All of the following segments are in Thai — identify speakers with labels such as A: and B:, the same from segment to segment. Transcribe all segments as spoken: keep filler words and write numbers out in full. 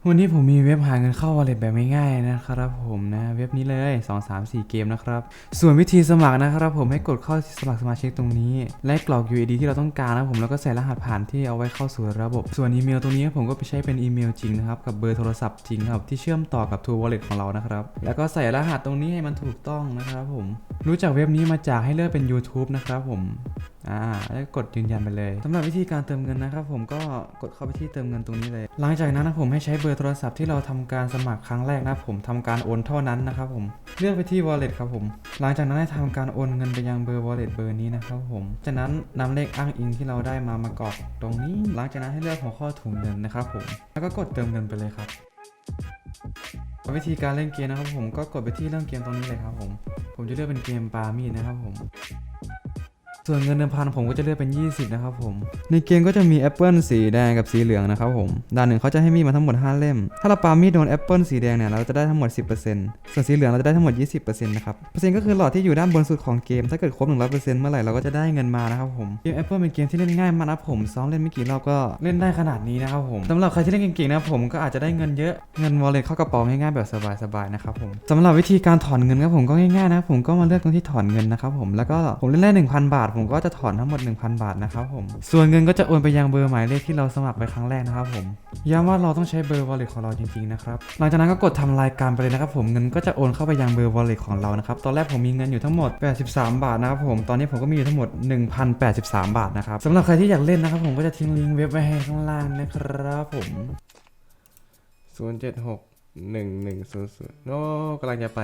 A: วันนี้ผมมีเว็บหาเงินเข้า Wallet แบบง่ายๆนะครับผมนะเว็บนี้เลยสอง สาม สี่เกมนะครับส่วนวิธีสมัครนะครับผมให้กดเข้าสมัครสมาชิกตรงนี้และกรอก ยู ไอ ดี ที่เราต้องการนะผมแล้วก็ใส่รหัสผ่านที่เอาไว้เข้าสู่ระบบส่วนอีเมลตรงนี้ผมก็ไปใช้เป็นอีเมลจริงนะครับกับเบอร์โทรศัพท์จริงครับที่เชื่อมต่อกับ True Wallet ของเรานะครับแล้วก็ใส่รหัสตรงนี้ให้มันถูกต้องนะครับผมรู้จักเว็บนี้มาจากให้เลือกเป็น YouTube นะครับผมอ่าแล้วกดยืนยันไปเลยสำหรับวิธีการเติมเงินนะครับผมก็กดเข้าไปที่เติมเงินตรงนี้เลยหลังจากนั้นนะผมให้ใช้เบอร์โทรศัพท์ที่เราทำการสมัครครั้งแรกนะผมทำการโอนเท่านั้นนะครับผมเลือกไปที่ wallet ครับผมหลังจากนั้นให้ทำการโอนเงินไปยังเบอร์ wallet เบอร์นี้นะครับผมจากนั้นนำเลขอ้างอิงที่เราได้มามากรอกตรงนี้หลังจากนั้นให้เลือกหัวข้อถุงเงินนะครับผมแล้วก็กดเติมเงินไปเลยครับวิธีการเล่นเกมนะครับผมก็กดไปที่เรื่องเกมตรงนี้เลยครับผมผมจะเลือกเป็นเกมปามีดนะครับผมส่วนเงินเดิมพันผมก็จะเลือกเป็นยี่สิบนะครับผมในเกมก็จะมีแอปเปิลสีแดงกับสีเหลืองนะครับผมด้านหนึ่งเขาจะให้มีดมาทั้งหมดห้าเล่มถ้าเราปามีดโดนแอปเปิลสีแดงเนี่ยเราจะได้ทั้งหมด สิบเปอร์เซ็นต์ ส่วนสีเหลืองเราจะได้ทั้งหมด ยี่สิบเปอร์เซ็นต์ นะครับเปอร์เซ็นต์ก็คือหลอดที่อยู่ด้านบนสุดของเกมถ้าเกิดครบ หนึ่งร้อยเปอร์เซ็นต์ เมื่อไหร่เราก็จะได้เงินมานะครับผมเกมแอปเปิลเป็นเกมที่เล่นง่ายมากนะผมซ้อมเล่นไม่กี่รอบก็เล่นได้ขนาดนี้นะครับผมสำหรับใครที่เล่นเก่งๆนะผมก็อาจจะได้เงินเยอะเงิน wallet เข้ากระเป๋าง่ายๆแบบสบายๆนะครับผมสำหรับวิธีการถอนเงินครับผมก็ง่ายๆนะผมก็มาเลือกตรงที่ถอนเงินนะครับผมแล้วก็ผมเล่นได้ หนึ่งพัน บาทผมก็จะถอนทั้งหมด หนึ่งพัน บาทนะครับผมส่วนเงินก็จะโอนไปยังเบอร์หมายเลขที่เราสมัครไปครั้งแรกนะครับผมย้ำว่าเราต้องใช้เบอร์ wallet ของเราจริงๆนะครับหลังจากนั้นก็กดทำรายการไปเลยนะครับผมเงินก็จะโอนเข้าไปยังเบอร์ wallet ของเรานะครับตอนแรกผมมีเงินอยู่ทั้งหมดแปดสิบสามบาทนะครับผมตอนนี้ผมก็มีอยู่ทั้งหมด หนึ่งพันแปดสิบสาม บาทนะครับสำหรับใครที่อยากเล่นนะครับผมก็จะทิ้งลิงก์เว็บไว้ให้ข้างล่างนะครับผมศูนย์ เจ็ด หก หนึ่ง หนึ่ง ศูนย์ ศูนย์โน้กำลังจะไป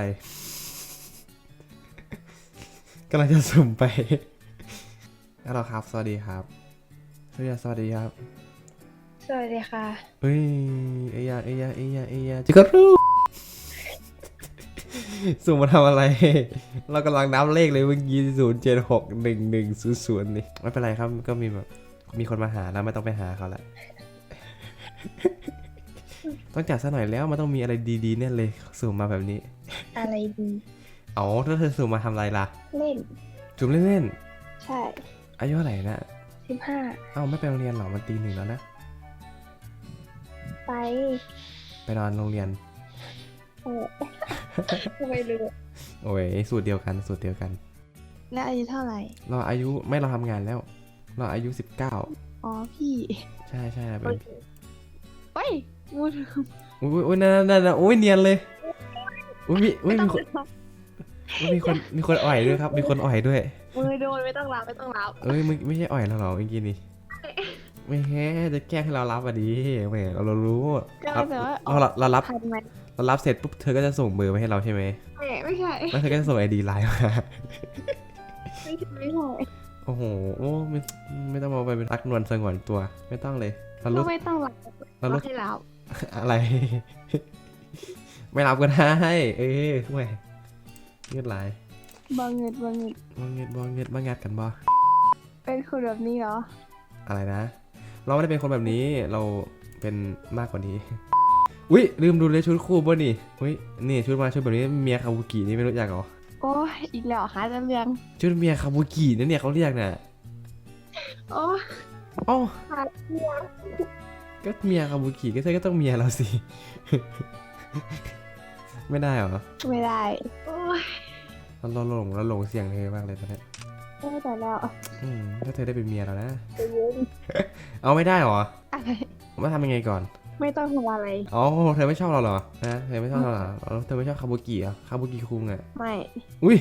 A: กำลังจะสุ่มไปฮัลโหลครับสวัสดีครับสวัสดีสวัสดีครับ
B: สวัสดีค่ะ
A: เอ้ยเอียเอียเอียเอียจิกรู สุ่มมาทำอะไร เรากำลังนับเลขเลยเมื่อกี้ศูนย์เจ็ดหกหนึ่งหนึ่งศูนย์ศูนย์นี่ไม่เป็นไรครับก็มีแบบมีคนมาหาแล้วไม่ต้องไปหาเขาละ ต้องจัดซะหน่อยแล้วมันต้องมีอะไรดีๆเนี่ยเลยสุ่มมาแบบนี้
B: อะไรดี
A: อ๋อถ้าเธอสุ่มมาทำอะไรล่ะ
B: เล่น
A: สุ่มเล่น
B: ใช่
A: ๆอายุเท่าไหร่นะ
B: สิบห้า
A: เอ้าไม่ไปโรงเรียนหรอมันตีหนึ่งแล้วนะ
B: ไป
A: ไปนอนโรงเรียน
B: เออไม่รู้
A: โอ้ยสูตรเดียวกันสูตรเดียวกัน
B: แล้วอายุเท่าไหร่
A: เราอายุไม่เราทำงานแล้วเราอายุสิบเก้า
B: อ๋อพี่
A: ใช่ใช่เป็น
B: เฮ้ยมูด
A: อุ้ยอุ้ยนั่นนั่นอุ้ยเนียนเลยอุ้ยมีอุ้ยมีคนมีคนมีคนอ่อยด้วยครับมีคนอ่อยด้วย
B: มือโดนไม่ต้องรับไม่ต้องรับ
A: เอ้ยมึงไม่ใช่อ่อยเราหรอเมื่อกี้นี่ไม่แค่จะแกล้งให้เรารับอ่ะดิแหมเราเรารู้เราเราเรารับเรารับเสร็จปุ๊บเธอก็จะส่งเบอร์มาให้เราใช่ไหม
B: ไม่ไม่ใช่
A: แล้วเธอก็จะส่งไอดีไลน์มา
B: ไม่ใช่ไม่ใช่
A: โอ้โหโอ้ไม่ไม่ต้องมาไปเป็นรักนวลสงวนตัวไม่ต้องเลยเรารู้
B: ไม่ต้องรับเรารู้ให้รับ
A: อะไรไม่รับก็ได้เอ้ยแหมเงือดไหล
B: บางเงิดบางเงิด
A: บางเงือดบางเงือดบางงัดกันบ่
B: เป็นคนแบบนี้เหรอ
A: อะไรนะเราไม่ได้เป็นคนแบบนี้เราเป็นมากกว่านี้อุ้ยลืมดูเลยชุดคู่ป่ะนี่อุ้ยนี่ชุดมาชุดแบบนี้เมียคาบุกินี่ไม่รู้จักเหรอ
B: โอ้ยอีกแล้วหาจะเรื่อง
A: ชุดเมียคาบุกินั่นเนี่ยเขาเรียกน่ะ
B: โอ้
A: โอ้ก็เมียคาบุกิก็ใช่ก็ต้องเมียเราสิไม่ได้เหรอ
B: ไม่ได้โอ้ย
A: เราหลงเราหลงเสียงเธอมากเลยตอนนี้
B: ไม่แต่แล้ว
A: อืมถ้าเธอได้เป็นเมียเรานะเอาไม่ได้เหรอ
B: อะไร
A: มาทำยังไงก่อน
B: ไม่ต้องทำอะไร
A: อ๋อเธอไม่ชอบเราเหรอนะเธอไม่ชอบเราเหรอเธอไม่ชอบคาบุกิเหรอคาบุกิคุงอ่ะ
B: ไม่
A: อุ้ย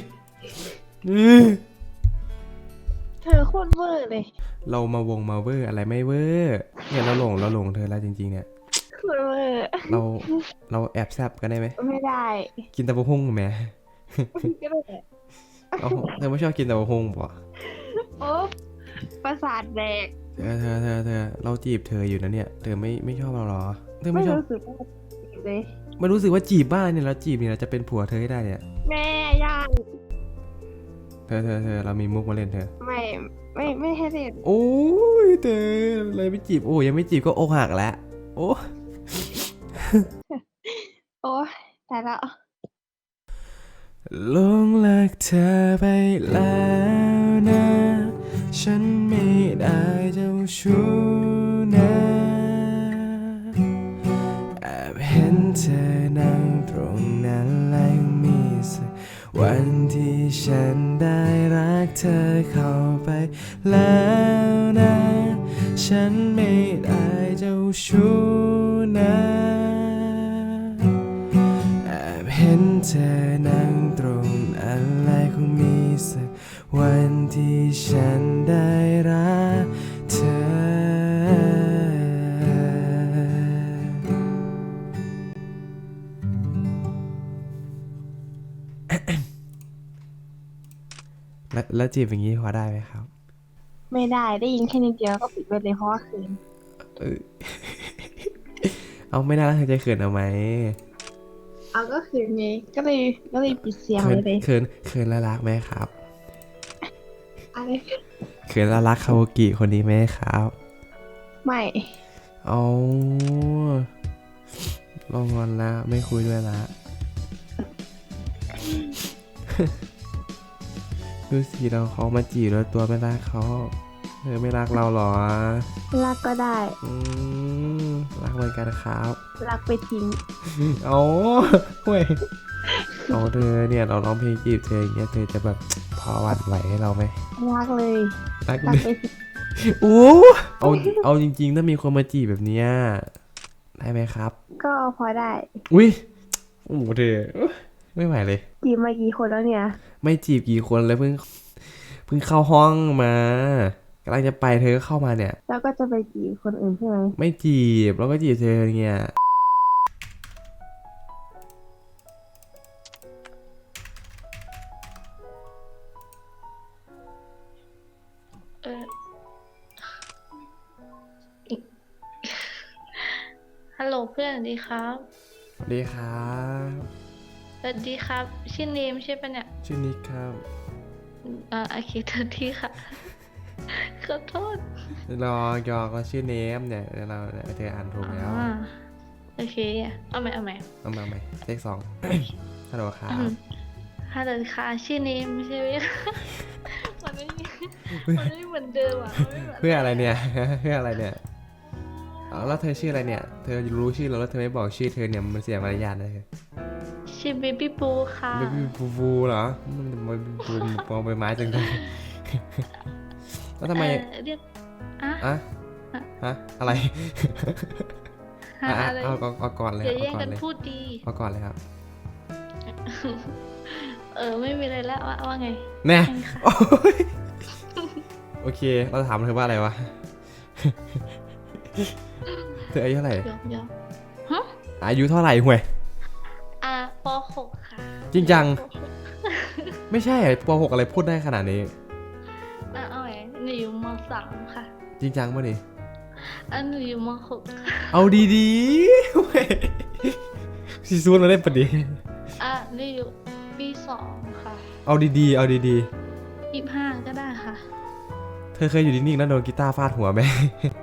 B: เธอโคตรเวอร์เลย
A: เรามาวงมาเวอร์อะไรไม่เวอร์เนี่ยเราหลงเราหลงเธอแล้วจริงๆเนี่ย
B: โคตรเวอร์
A: เราเราแอบแซบกันได้ไหม
B: ไม่ได้
A: กินตะบะฮุ่งไหมก็ได้เธอไม่ชอบกินตะบะฮุ่งป่ะ
B: โอ้ประสาทแดก
A: เธอเธอเธอเธอเราจีบเธออยู่นะเนี่ยเธอไม่ไม่ชอบเราหรอเธอ
B: ไม่
A: ชอบ
B: รู้สึกว่าเลย
A: ไม่รู้สึกว่าจีบบ้านเนี่ยเราจีบเนี่ยเราจะเป็นผัวเธอให้ได้เนี่ย
B: แม่ย่าง
A: เธอเธอเธอเรามีมุกมาเล่นเธอ
B: ไม่ไม่ไม่ให้เล่น
A: โอ้ยเธอเลยไม่จีบโอ้ยังไม่จีบก็อกหักแล้วโอ้
B: โอ้แต่ละ
A: หลงรักเธอไปแล้วนะฉันไม่ได้เจ้าชู้นะแอบเธอนั่งตรงนั้นและมีสักวันที่ฉันได้รักเธอเข้าไปแล้วนะฉันไม่ได้เจ้าชู้นะแอบเห็นเธอนั่งตรงนั้นและคงมีสักวันที่ฉันได้รักเธอแล้วแล้วจีบอย่างนี้พอได้ไหมครับ
B: ไม่ได้ได้ยินแค่นิดเดียวก็ปิดไปเลยเพราะว่าคืน
A: เออ เอาไม่ได้แล้วเธอจะเขินเอาไหม
B: เอาก็คืนไงก็เลยก็เลยปิดเสียง
A: เขิ
B: เล
A: น
B: ยเลย
A: เขินเขินแล้วรักไหมครับ
B: อะไร
A: เขินแล้วรักคาโอกิคนนี้ไหมครับ
B: ไม่
A: เอาลองงอนละไม่คุยด้วยละ ดูสิเราเขามาจีบแล้วตัวไม่รักเขาเธอไม่รักเราเหรอ
B: รักก็ได้
A: อืมรักเหมือนกันครับ
B: รักไปทิ้ง
A: เอาเว้ยเอาเธอเนี่ยเราร้องเพลงจีบเธออย่างเงี้ยเธอจะแบบพอหวั่นไหวให้เราไหม
B: รักเลย
A: รัก
B: รัก
A: เลย
B: ไปทิ้ง
A: โอ้เอาเอาจริงๆถ้ามีคนมาจีบแบบเนี้ยได้ไหมครับ
B: ก็พอได้
A: อุ้ยโอ้โหเธอไม่ไหวเลย
B: จีบมากี่คนแล้วเนี่ย
A: ไม่จีบกี่คนเลยเพิ่งเพิ่งเข้าห้องมากำลังจะไปเธอก็เข้ามาเนี่ย
B: แล้วก็จะไปจีบคนอื่นใช่ไหม
A: ไม่จีบแล้วก็จีบเธอเงี้ย
C: เออ ฮัลโหลเพื่อนสวัสดีครับ
A: สวัสดีครับ
C: สวัสดีครับ ชื่อเนมใช่ปะเนี่ย
A: ชื่อนิกครับ
C: อ่าโอเคทันทีค่ะ ขอโทษ
A: รอยอกเราชื่อเนมเนี่ยเราเธออ่านถูกแล้ว
C: อ่าโอเค เอาใหม่เอาใหม่
A: เอามาใหม่เลขสอง ฮัลโหลครับ
C: อืมฮัลโหลค่ะ ชื่อเนมใช่ไหม มันไม่มันไม่เหมือนเดิมอ่ะมันไม่เหมือน
A: เพื่ออะไรเนี่ย เพื่ออะไรเนี่ยเอาแล้วเธอชื่ออะไรเนี่ย เธอรู้ชื่อเราแล้วเธอไม่บอกชื่อเธอเนี่ยมันเสียมารยาทเลย
C: ชื่อเบบี้ปูค่ะ
A: เบบี้ฟูฟูเหรอมันมันฟูมองใบไม้จังเลย แล้วทำไม
C: เอ่อเรียกอ่ะ
A: อะฮะอะไร
C: หา
A: อ่ะ
C: อะไร
A: เอาเอาเอาก่อนเลย
C: อย่า
A: เอา
C: แย่ง
A: ก่อน
C: กัน
A: เลย
C: พูดดี
A: เอาก่อนเลยครับ
C: เออ ไม่มีอะไรแล้วว่าว่าไง
A: แน่
C: แค่นี้ค่ะ
A: โอ้ยโอเค เราถามเธอว่าอะไรวะ เธออายุเท่าไหร่
C: ยอกยอกฮะ
A: อายุเท่าไหร่ห่วย
C: อ่าปหกค่ะ
A: จริงจัง
C: ปหก
A: ไม่ใช่ปหกอะไรพูดได้ขนาดนี้
C: อ่ะเอาไงหนูอยู่มสามค่ะ
A: จริงจังป่ะนี่
C: อันหนูอยู่มหกค่ะ
A: เอาดีๆเว้ยซีซูนเราได้ปะดิ
C: อ่ะหนูอยู่ปีสองค่ะ
A: เอาดีๆ เอาดี
C: ยี่สิบห้าก็ได้ค่ะ
A: ๆ เธอเคยอยู่นิ่งๆแล้วโดนกีตาร์ฟาดหัวไหม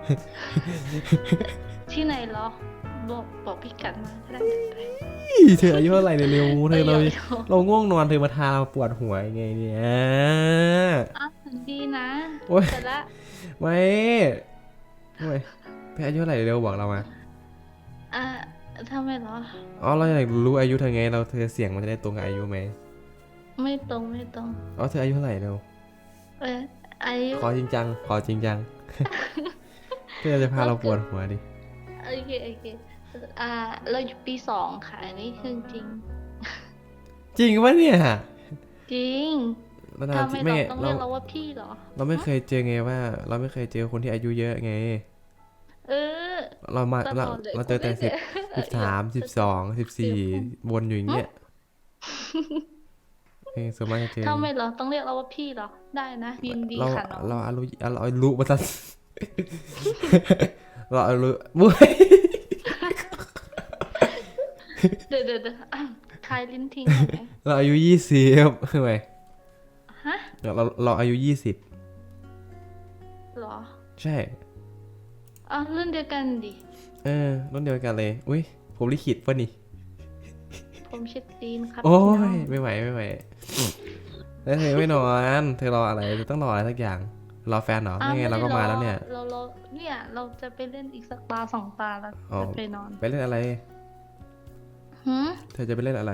C: ที่ไหนเหรอ บอกบอกพี่กัดมาก็ได้เดี๋ยวไป
A: เธออายุเท่าไหร่เนี่ยเร็วเธอเรา
C: เดี๋ยว
A: เราง่วงนอนเธอมาทาเราปวดหัวยังไงเนี่ย
C: อ่ะดีนะ
A: โอ๊ย
C: เสร็จละ
A: ไม่ทำไมเธออายุเท่าไหร่เร็วบอกเรามา
C: อ่ะทำไมเหรอ
A: อ๋อเราอยากรู้อายุเธอไงเราเธอเสียงมันจะได้ตรงกับอายุไหม
C: ไม่ตรงไม่ตรง
A: อ๋อเธออายุเท่าไหร่เร็ว
C: เอออายุ
A: ขอจริงจังขอจริงจัง เธอจะพาเราปวดหัวดิ
C: โอเคโอเคอ่าเราอยู่ปีสองค่ะอันนี้คือจริง
A: จริงปะเนี่ย
C: จริง
A: เรา
C: ทำไม
A: ไม่
C: เราต้อง
A: เรา
C: เรียกเราว่าพี่เหรอ
A: เราไม่เคยเจอไงว่า เราไม่เคยเจอคนที่อายุเยอะไง
C: เออ
A: เรามา
C: ตล
A: เรา
C: อดเลย
A: เราเจอแต่
C: กู
A: สิบ
C: ไม่
A: สิบสามสิบสองสิบสี่วนอยู่อย่างเงี้ยเออส่วนมากจะเจอ
C: ทำไมเราต้องเรียกเราว่าพี่เหรอ ได้นะยินดี
A: เรา
C: ค่ะน้อง
A: เราอารุเราอารุมาตัน เราอารุบุ้ย
C: เดี๋ยวเดี๋ยวเดี๋ยวอ่ะคลายลิ้นทิ้งหน่อยไหม
A: เราอายุยี่สิบทำไม
C: ฮะ
A: เราเราอายุยี่สิบ
C: เหรอ
A: ใช่
C: อ่ะรุ่นเดียวกันดิ
A: เออรุ่นเดียวกันเลย อุ้ยผมลิขิตป่ะนี่
C: ผมเช็ดตีนครับ
A: โอ้
C: พี่น้
A: ย
C: อง
A: ไม่ไหวไม่ไหวแล้วเธอไม่นอน เธอรออะไรเธอต้องรออะไรสักอย่าง รอแฟนเหรอ
C: อ้ว
A: ไม่ไงเราก็มาแล้วเนี่ย
C: เราเราเนี่ยเราจะไปเล่นอีกสักตาสองตาแล้ว
A: อ๋อ
C: จะไปนอน
A: ไปเล่นอะไร
C: หืม
A: เธอจะไปเล่นอะไร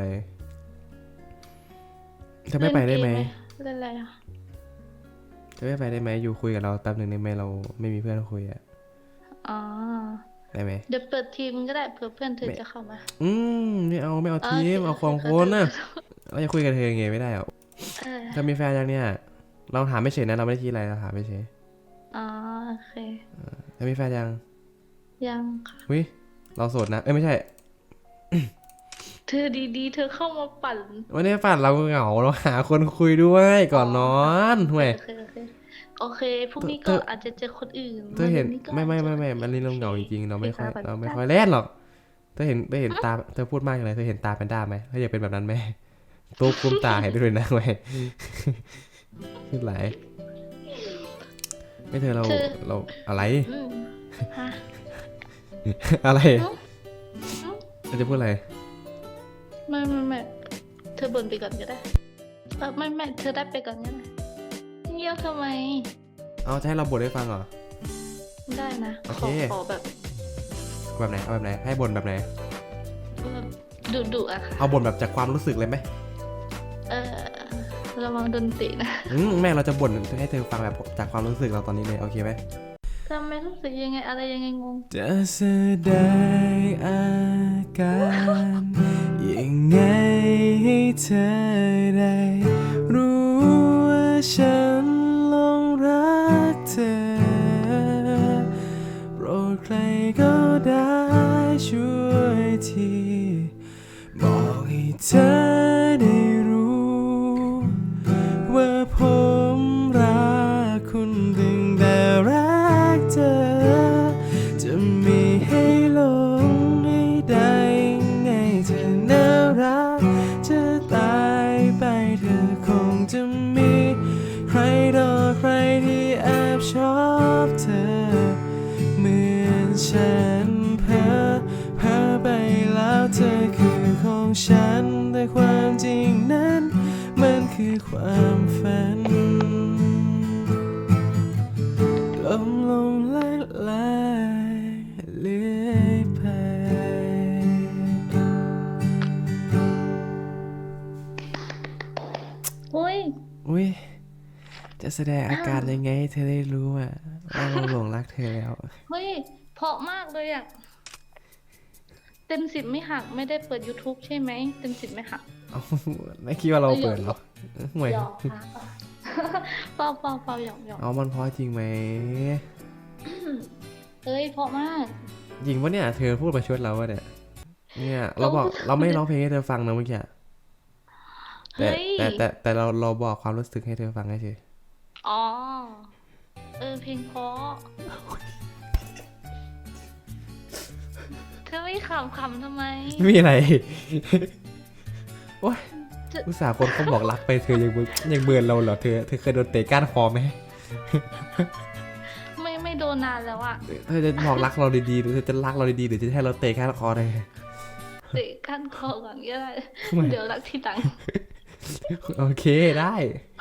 A: เธอไม่ไปได้ไหม
C: เล่นอะไรอ่ะ
A: เธอไม่ไปได้ไหมอยู่คุยกับเราแป๊บหนึ่งได้ไหมเราไม่มีเพื่อนคุยอะ
C: อ๋อ
A: ได้ไหม
C: เดี๋ยวเปิดทีมก็ได้เผื่อเพื่อนเธอจะเข้ามา
A: อืมไม่เอาไม่เอา
C: โอ
A: ที
C: เค
A: มเอาความ
C: โอเค
A: คนนะ
C: ขอโทษ
A: เราจะคุยกับเธอยังไงไม่ได้หรอ
C: เออ
A: เธอมีแฟนยังเนี่ยเราถามไม่เฉยนะเราไม่ได้คิดอะไรเราถามไม่เฉย
C: อ๋อโอเค
A: เธอมีแฟนยัง
C: ยังค่ะ
A: วิเราโสดนะเอ้ยไม่ใช่
C: เธอดีๆ เธอเข้ามาปั่น
A: วันนี้ฝันเราเหงาเราหาคนคุยด้วยก่อนนอนห่วย
C: โอเคโอเคโอเคพรุ่งนี้
A: เธ
C: ก็
A: อ
C: อาจจะเจอคนอื่น
A: เธอเห็น
C: วัก็
A: ไม่ไม่ไม่ไม่
C: อาจจะ
A: มันนี่เราเหงาจริงๆเราไม่ค่อย
C: ไปตาม
A: เราไม่
C: ไป
A: ค่อยเล่นหรอกเธอเห็นเธอเห็นตาเธอพูดมากเลยเธอเห็นตาแพนด้าไหมเธออยากเป็นแบบนั้นไหมตัวคุมตาให้ด้วยนะเว้ยขึ้นไหลายไม่เธอเรา
C: เธอ
A: เราอะไร
C: อืมฮะ
A: อะไร
C: อืม
A: เธอจะพูดอะไร
C: ไม่ไม่ไม่เธอบ่นไปก่อนก็ได้เออไม่ไม่เธอได้ไปก่อนก็ได้เงียบทำไม
A: เอาจะให้เราบ่นให้ฟังเหรอ
C: ได้นะ
A: โอ
C: ข
A: เค
C: อขอแบบ
A: แบบไหนเอาแบบไหนให้บ่นแบบไหน
C: แบบดุดุๆอะค่ะ
A: เอาบ่นแบบจากความรู้สึกเลยไหม
C: เออระวังโดนตินะ
A: อืมแม่เราจะบ่นให้เธอฟังแบบจากความรู้สึกเราตอนนี้เลยโอเคไหม
C: ทำไมรู้สึกยังไงอะไรยังไงงง
A: จะแสดงอาการยังไงให้เธอได้รู้ว่าฉันหลงรักเธอโปรดใครก็ได้ช่วยทีบอกให้เธอได้รู้ว่าผมรักคุณตั้งแต่รักเธอจะมีให้หลงให้ได้ยังไงเธอน่ารักจะตายไปเธอคงจะมีใครต่อใครที่แอบชอบเธอเหมือนฉันเพ้อเพ้อไปแล้วเธอคือของฉันแต่ความจริงนั้นมันคือความฝันลมลงละลายเลื่อยไป
C: อุ้ย
A: อุ้ยจะแสดงอาการยังไงให้เธอได้รู้อ่ะว่าเราหลงรักเธอแล้ว
C: เฮ้ยเพราะมากเลยอะเต็มสิบไม่หักไม่ได้เปิด YouTube ใช่ไหมเต็มสิบไม่หัก
A: เอาไม่คิดว่าเราเปิดเหรอห่วย
C: หยอกค่ะ เปล่าเปล่าเปล่าหยอกหยอก
A: เอามันเพราะจริงไหม
C: เฮ้ยเพราะมาก
A: จริงปะเนี่ยเธอพูดประชดเราวะเนี่ยเนี่ยเราบอกเราไม่ได้ร้องเพลงให้เธอฟังนะเมื่อกี้อะแต่
C: เฮ้ย
A: แต่แต่แต่เราเราบอกความรู้สึกให้เธอฟังเฉย
C: อ๋อ เออเพลงเพราะเธอไม่ขำขำทำไม
A: ไม่มีอะไร โอ๊ย
C: จะ
A: อุตส่าห์คนเขาบอกรักไปเธอยังเบิร์ยังเบิร์นเราเหรอเธอเธอเคยโดนเตะก้านคอไหม
C: ไม่ไม่โดนนานแล้วอะ
A: เธอจะบอกรักเราดีๆหรือเธอจะรักเราดีๆหรือจะให้เราเตะก้านคอเลย
C: เตะกั้นคอก่อนก็ได้
A: ไม่
C: เดี๋ยวรักทีหลัง
A: โอเคได้